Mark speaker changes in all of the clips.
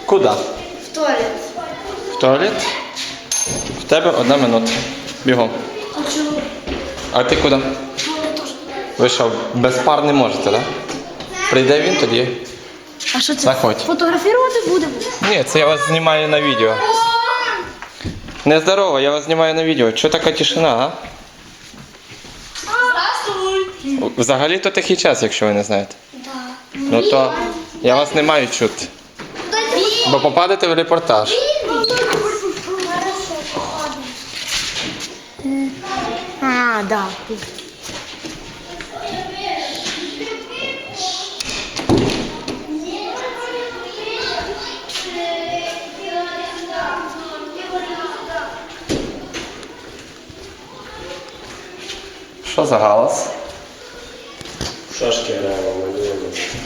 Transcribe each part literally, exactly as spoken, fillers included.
Speaker 1: Куди?
Speaker 2: В туалет.
Speaker 1: В туалет? В тебе одна минута. Бігом.
Speaker 2: А чого?
Speaker 1: А ти куди? Ви що, без пар не можете, так? Да? Прийде він тоді.
Speaker 2: А що це?
Speaker 1: Заходь.
Speaker 2: Фотографувати будемо?
Speaker 1: Ні, це я вас знімаю на відео. Нездорово, я вас знімаю на відео. Чого така тишина, а?
Speaker 2: Здравствуй.
Speaker 1: Взагалі-то тихий час, якщо ви не знаєте.
Speaker 2: Да.
Speaker 1: Ну то я вас не маю чути. Бо попадете в репортаж.
Speaker 2: А, да.
Speaker 1: Що за галас?
Speaker 3: Шашки граємо, малюємо.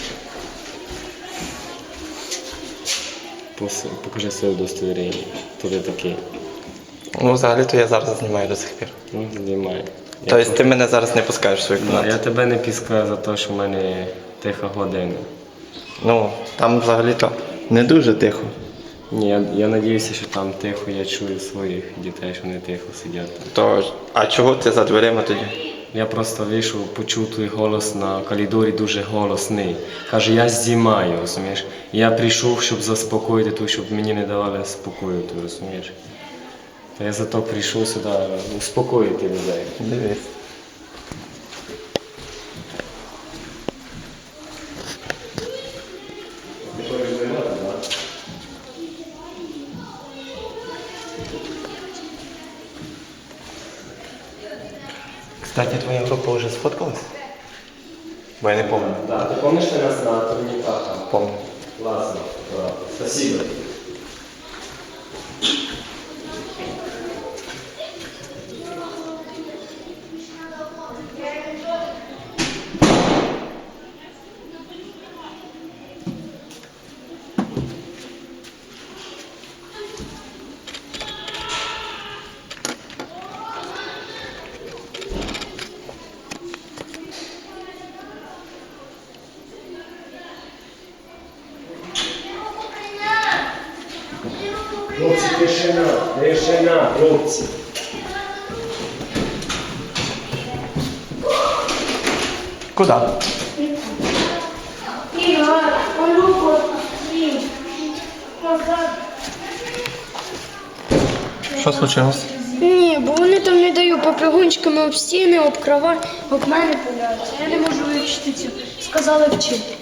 Speaker 3: Покажи своє удостоверення. Хто ти такий?
Speaker 1: Ну, взагалі-то я зараз знімаю до сих пір.
Speaker 3: Ну, знімай.
Speaker 1: Тобто ти мене зараз не пускаєш в свою
Speaker 3: Я
Speaker 1: кімнату?
Speaker 3: тебе не піскаю за те, що в мене тиха година.
Speaker 1: Ну, там взагалі-то не дуже тихо.
Speaker 3: Ні, я, я надіюся, що там тихо, я чую своїх дітей, що вони тихо сидять.
Speaker 1: То, а чого ти за дверима тоді?
Speaker 3: Я просто вийшов, почув твій голос на коридорі, дуже голосний. Каже, я знімаю, розумієш? Я прийшов, щоб заспокоїти ту, щоб мені не давали спокою, ти розумієш? Та я зато прийшов сюди успокоїти людей.
Speaker 1: Дивись. Кстати, твоя група вже сфоткалась? Бо я не пам'ятаю.
Speaker 3: Да, ти пам'ятаєш нас на турніках?
Speaker 1: Помню.
Speaker 3: Класно. Спасибо. Хлопці, тишина, тишина, хлопці.
Speaker 1: Куди?
Speaker 2: Ігор, Олюко, Сім. Назад.
Speaker 1: Що случилось?
Speaker 2: Ні, бо вони там не дають попригунчиками об стіни, об кровать, об мене пуляються. Я не можу вивчити цю. Сказали вчити.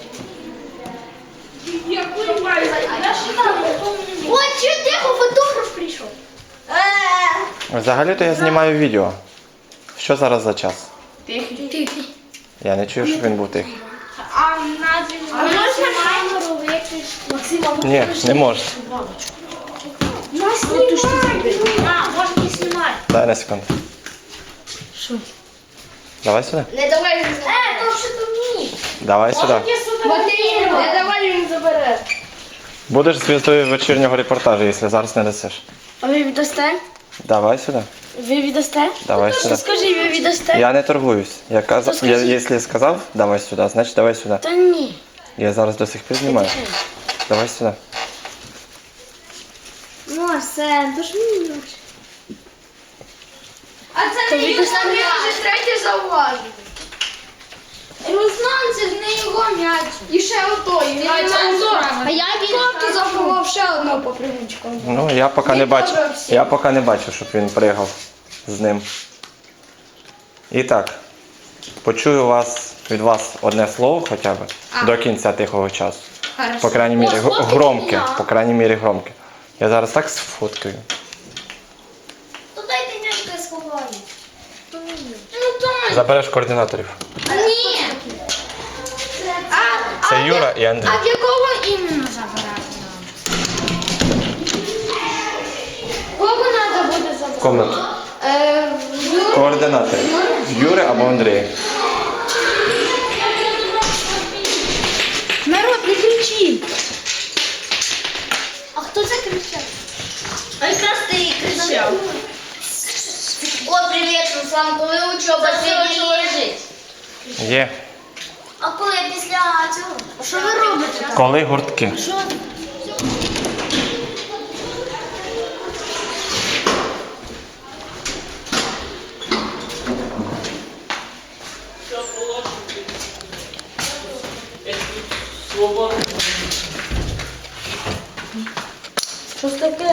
Speaker 2: Я курваю. Ой, чого тихо, фотограф прийшов.
Speaker 1: Взагалі-то я знімаю відео. Що зараз за час?
Speaker 2: Тихий. Тихий.
Speaker 1: Я не чую, щоб він був тихий.
Speaker 2: А назві А можна камеру виключити? Максима,
Speaker 1: Ні, не можна.
Speaker 2: Нас знімай. А, можна не знімати.
Speaker 1: Дай на секунду.
Speaker 2: Що?
Speaker 1: Давай сюди.
Speaker 2: Не давай він забере. Е, то що то ні.
Speaker 1: Давай сюди.
Speaker 2: Не давай він забере.
Speaker 1: Будеш зв'язкою вечірнього репортажу, якщо зараз не дасиш.
Speaker 2: А ви віддасте?
Speaker 1: Давай сюди.
Speaker 2: Ви віддасте?
Speaker 1: Давай
Speaker 2: Що
Speaker 1: сюди.
Speaker 2: скажи, ви віддасте?
Speaker 1: Я не торгуюсь. Я казав,
Speaker 2: То
Speaker 1: я,
Speaker 2: скажи.
Speaker 1: якщо я сказав, давай сюди, значить давай сюди.
Speaker 2: Та ні.
Speaker 1: Я зараз до сих пір знімаю. Давай сюди.
Speaker 2: Ну, все, то ж мені не лучше.
Speaker 4: А це не Руслан, він вже третє зауважив. Руслан, це ж не його м'яч. І ще отой м'яч. А я він заховав ще одного попригунчика.
Speaker 1: Ну, я поки не бачу. Я поки не бачу, щоб він пригав з ним. І так, почую вас від вас одне слово хоча б до кінця тихого часу. По крайній мірі, г- громке. По крайній мірі громке. Я зараз так сфоткаю.
Speaker 4: То дайте м'ячка сховаю. Ну так.
Speaker 1: Забереш координаторів.
Speaker 4: Ні. А,
Speaker 1: Це Юра і Андрій.
Speaker 4: а в якого іменно забирати нам? Кого треба буде забрати?
Speaker 1: Комнату.
Speaker 4: Е, Юру?
Speaker 1: Координатори. Юри або Андрія.
Speaker 2: Народ, не кричіть.
Speaker 4: А хто це кричав? А якраз ти кричав. О, привіт, Руслан, коли учоба сьогодні лежить?
Speaker 1: Є.
Speaker 4: А коли після цього? А що ви робите там?
Speaker 1: Коли гуртки?
Speaker 4: Що?
Speaker 2: Що ж таке?